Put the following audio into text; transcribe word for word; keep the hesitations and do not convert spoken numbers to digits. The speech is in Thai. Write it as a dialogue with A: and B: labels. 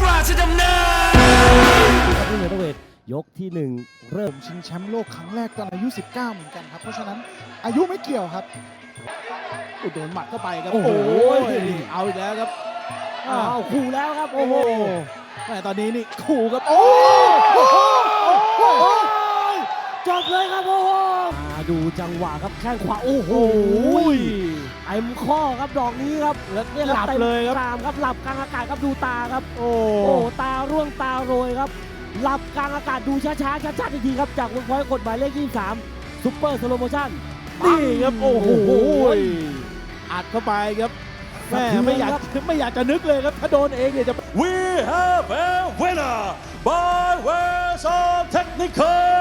A: ราชดำเนิน
B: ที่เมเทอร์เวทยกที่หนึ่งเริ่ม
C: ชิงแชมป์โลกครั้งแรกตอนอายุสิบเก้าเหมือนกันครับเพราะฉะนั้นอายุไม่เกี่ยวครับอุดโดนหมัดเข้าไปครับ
B: โอ้โห
C: เอาอีกแล้วครับ
B: อ้าวขู่แล้วครับโอ้โห
C: แม่ตอนนี้นี่ขู่ครับโอ้โห
B: จบเลยครับโอ้โหมาดูจังหวะครับแข้งขวาโอ้โหเต็มข้อครับดอกนี้ครับ
C: แล้ว
B: เนี่ย
C: หลับ
B: ต็ม
C: เลยครับ
B: ตามครับหลับกลางอากาศครับดูตาครับ
C: โอ้
B: โอ้ตาร่วงตาโรยครับหลับกลางอากาศดูช้าๆชัดๆอีกทีครับจากเวิร์กพอยต์กฎหมายเลขยี่สิบสามซุปเปอร์สโลโมชั่น
C: นี่ครับโอ้โห
B: โอ้โห
C: อัดเข้าไปครับแม่
B: สะเทือน
C: ไม่อยาก
B: ครับ
C: ไม่อยากจะนึกเลยครับถ้าโดนเองเนี่ยจะ
A: We have a winner by ways of technical